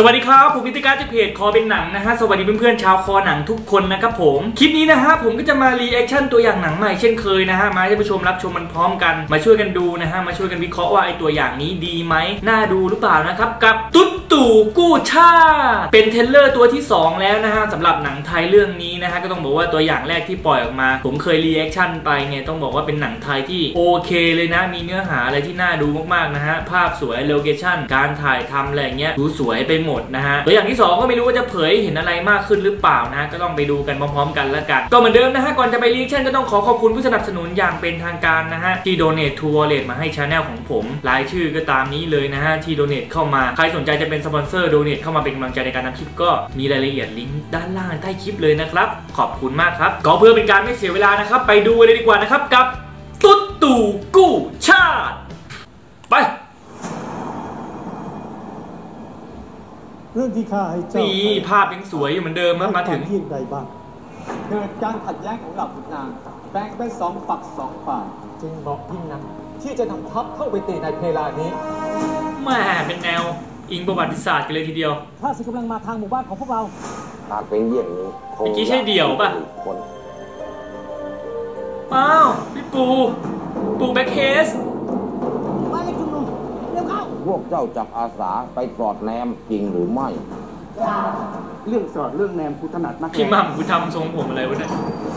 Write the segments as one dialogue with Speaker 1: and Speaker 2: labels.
Speaker 1: วัสดีครับผมพิธีการจากเพจคอเป็นหนังนะฮะสวัสดีเพื่อนๆชาวคอหนังทุกคนนะครับผมคลิปนี้นะฮะผมก็จะมารีแอคชั่นตัวอย่างหนังใหม่เช่นเคยนะฮะมาให้ผู้ชมรับชมมันพร้อมกันมาช่วยกันดูนะฮะมาช่วยกันวิเคราะห์ว่าไอตัวอย่างนี้ดีไหมน่าดูหรือเปล่านะครับกับตุ๊ดตู่กู้ชาเป็นเทรลเลอร์ตัวที่2แล้วนะฮะสำหรับหนังไทยเรื่องนี้นะฮะก็ต้องบอกว่าตัวอย่างแรกที่ปล่อยออกมาผมเคยรีแอคชั่นไปเนี่ยต้องบอกว่าเป็นหนังไทยที่โอเคเลยนะมีเนื้อหาอะไรที่น่าดูมากๆนะฮะภาพสวยโลเคชั่นการถ่ายทำอะไรเงี้ยดูสวยไปหมดนะฮะตัวอย่างที่2ก็ไม่รู้ว่าจะเผยเห็นอะไรมากขึ้นหรือเปล่านะก็ต้องไปดูกันพร้อมๆกันแล้วกันก็เหมือนเดิมนะฮะก่อนจะไปรีแอคชั่นก็ต้องขอบคุณผู้สนับสนุนอย่างเป็นทางการนะฮะที่ Donate to Wallet มาให้ชาแนลของผมรายชื่อก็ตามนี้เลยนะฮะที่ Donate เข้ามาใครสนใจจะเป็นสปอนเซอร์ Donate เข้ามาเป็นกำลังใจในการทำคลิปก็มีรายละเอียดลิงก์ด้านล่างใต้คลิปเลยนะครับขอบคุณมากครับก็เพื่อเป็นการไม่เสียเวลานะครับไปดูเลยดีกว่านะครับกับตุ๊ดตู่กู้ชาติไป
Speaker 2: เรื่องที่ข้าให้เจ้า
Speaker 1: นี่ภาพยังสวยอยู่เหมือนเดิมมาถึง
Speaker 2: ที่ใดบ้าง
Speaker 3: เกิดการขัดแย้งของเหล่าขุนนางแบ่งเป็น2 ฝัก 2 ฝ่ายจึงเหมาะยิ่งนักที่จะนำทัพเข้าไปตีในเพลานี้
Speaker 1: แม่เป็นแนวอิงประวัติศาสตร์กันเลยทีเดียว
Speaker 2: ข้าศึกกำลังมาทางหมู่บ้านของพวกเรา
Speaker 4: หากเป็นอย่างนี้
Speaker 1: เมื่อกี้ใช่เดี่ยวป่ะอ้าวพี่ปูแบ็คเคส
Speaker 2: มาเลยคุณลุงเร็วเข้า
Speaker 4: พวกเจ้าจับอาสาไปสอดแนมจริงหรือไม่
Speaker 2: เรื่องสอดเรื่องแนมกูถนัดมาก
Speaker 1: พี่มั่มกูทำทรงผมอะไรวะเนี่ย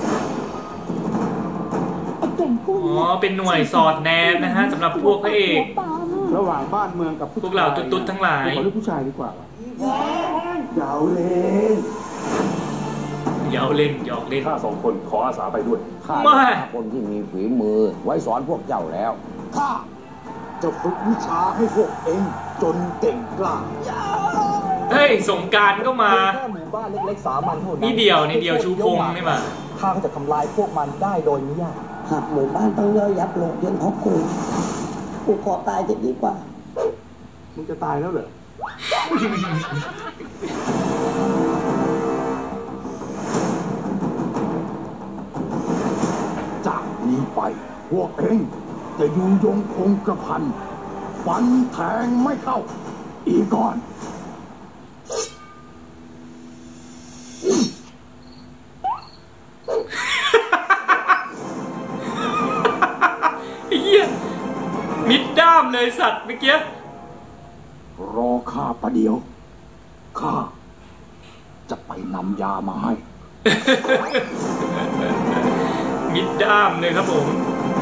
Speaker 1: อ๋อเป็นหน่วยสอดแนมนะฮะสำหรับพวกพระเอก
Speaker 2: ระหว่างบ้านเมืองกับ
Speaker 1: พวกเราตุ๊ดทั้งหลาย
Speaker 2: ขอเลือกผู้ชายดีกว่าเยาเล่น
Speaker 1: หยอกเล่น
Speaker 5: ข้า2 คนขออาสาไปด้วย
Speaker 4: ข้าคนที่มีฝีมือไว้สอนพวกเจ้าแล้ว
Speaker 2: ข้าจะฝึกวิชาให้พวกเองจนเก่งกล้า
Speaker 1: เฮ้ยสงการก็มา
Speaker 3: แค่หมู่บ้านเล็กๆสามัญเท่านั้น
Speaker 1: นี่เดียวชูพงนี่มา
Speaker 3: ข้าก็จะทำลายพวกมันได้โดยไม่ยาก
Speaker 2: หากหมู่บ้านต้องย่อยยับลงจนของกูขอตายจะดีกว่ามึงจะตายแล้วเหรอจากนี้ไปพวกเองจะอยู่ยงคงกระพันฟันแทงไม่เข้าอีกก่อน
Speaker 1: เฮียมิดด้ามเลยสัตว์เมื่อกี้
Speaker 2: รอข้าประเดี๋ยวข้าจะไปนำยามาให้
Speaker 1: มิดด้ามเลยครับผม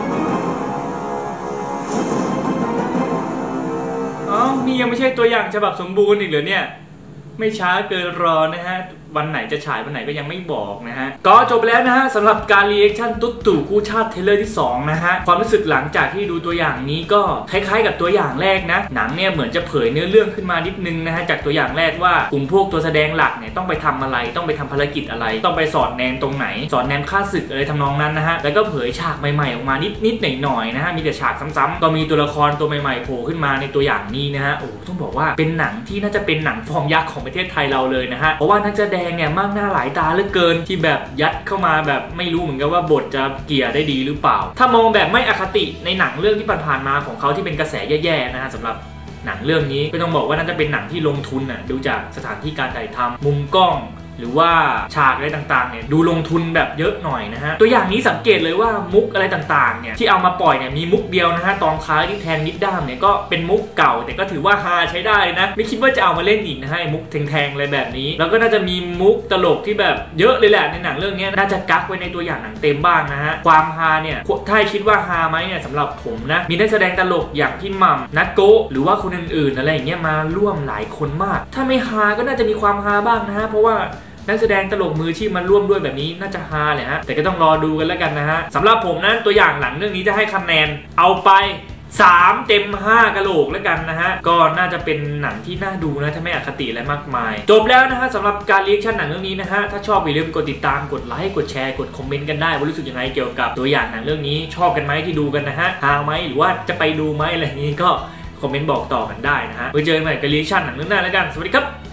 Speaker 1: อ๋อนี่ยังไม่ใช่ตัวอย่างฉบับสมบูรณ์อีกเหรอเนี่ยไม่ช้าเกินรอนะฮะวันไหนจะฉายวันไหนก็ยังไม่บอกนะฮะก็จบแล้วนะฮะสำหรับการรีแอคชั่นตุ๊ดตู่กู้ชาติเทเลอร์ที่2นะฮะความรู้สึกหลังจากที่ดูตัวอย่างนี้ก็คล้ายๆกับตัวอย่างแรกนะหนังเนี่ยเหมือนจะเผยเนื้อเรื่องขึ้นมานิดนึงนะฮะจากตัวอย่างแรกว่ากลุ่มพวกตัวแสดงหลักเนี่ยต้องไปทำอะไรต้องไปทำภารกิจอะไรต้องไปสอดแนมตรงไหนสอดแนมฆ่าศึกอะไรทำนองนั้นนะฮะแล้วก็เผยฉากใหม่ๆออกมานิดหน่อยๆนะฮะมีแต่ฉากซ้ำๆก็มีตัวละครตัวใหม่ๆโผล่ขึ้นมาในตัวอย่างนี้นะฮะโอ้ต้องบอกว่าเป็นหนังที่น่าจะเป็นหนังฟอร์มยักษ์ของประเทศไทยเราเลยนะฮะเพราะว่านักแสดงเนี่ยมากหน้าหลายตาเหลือเกินที่แบบยัดเข้ามาแบบไม่รู้เหมือนกันว่าบทจะเกี่ยได้ดีหรือเปล่าถ้ามองแบบไม่อคติในหนังเรื่องที่ผ่านๆมาของเขาที่เป็นกระแสแย่ๆนะฮะสำหรับหนังเรื่องนี้ก็ต้องบอกว่าน่าจะเป็นหนังที่ลงทุนดูจากสถานที่การถ่ายทำมุมกล้องหรือว่าฉากอะไรต่างๆเนี่ยดูลงทุนแบบเยอะหน่อยนะฮะตัวอย่างนี้สังเกตเลยว่ามุกอะไรต่างๆเนี่ยที่เอามาปล่อยเนี่ยมีมุกเดียวนะฮะตอนท้ายที่แทนมิดด้ามเนี่ยก็เป็นมุกเก่าแต่ก็ถือว่าฮาใช้ได้นะไม่คิดว่าจะเอามาเล่นอีกนะฮะมุกแทงๆอะไรแบบนี้แล้วก็น่าจะมีมุกตลกที่แบบเยอะเลยแหละในหนังเรื่องนี้น่าจะกักไว้ในตัวอย่างหนังเต็มบ้างนะฮะความฮาเนี่ยถ้าคิดว่าฮาไหมเนี่ยสำหรับผมนะมีนักแสดงตลกอย่างพี่หม่ำนัทโกหรือว่าคนอื่นๆอะไรอย่างเงี้ยมาร่วมหลายคนมากถ้าไม่ฮาก็น่าจะมีความฮาบ้างนะฮะเพราะว่านักแสดงตลกมืออาชีพมันร่วมด้วยแบบนี้น่าจะฮาเลยฮะแต่ก็ต้องรอดูกันแล้วกันนะฮะสำหรับผมนั้นตัวอย่างหลังเรื่องนี้จะให้คะแนนเอาไป3 เต็ม 5กะโหลกแล้วกันนะฮะก็น่าจะเป็นหนังที่น่าดูนะถ้าไม่อคติอะไรมากมายจบแล้วนะฮะสำหรับการรีแอคชั่นหนังเรื่องนี้นะฮะถ้าชอบอย่าลืมกดติดตามกดไลค์กดแชร์กดคอมเมนต์กันได้ว่ารู้สึกยังไงเกี่ยวกับตัวอย่างหนังเรื่องนี้ชอบกันไหมที่ดูกันนะฮะฮาไหมหรือว่าจะไปดูไหมอะไรอย่างนี้ก็คอมเมนต์บอกต่อกันได้นะฮะไว้เจอกันใหม่กับรีแอคชั่นหนังเรื่องหน้าแล้วกันสวัสดีครับ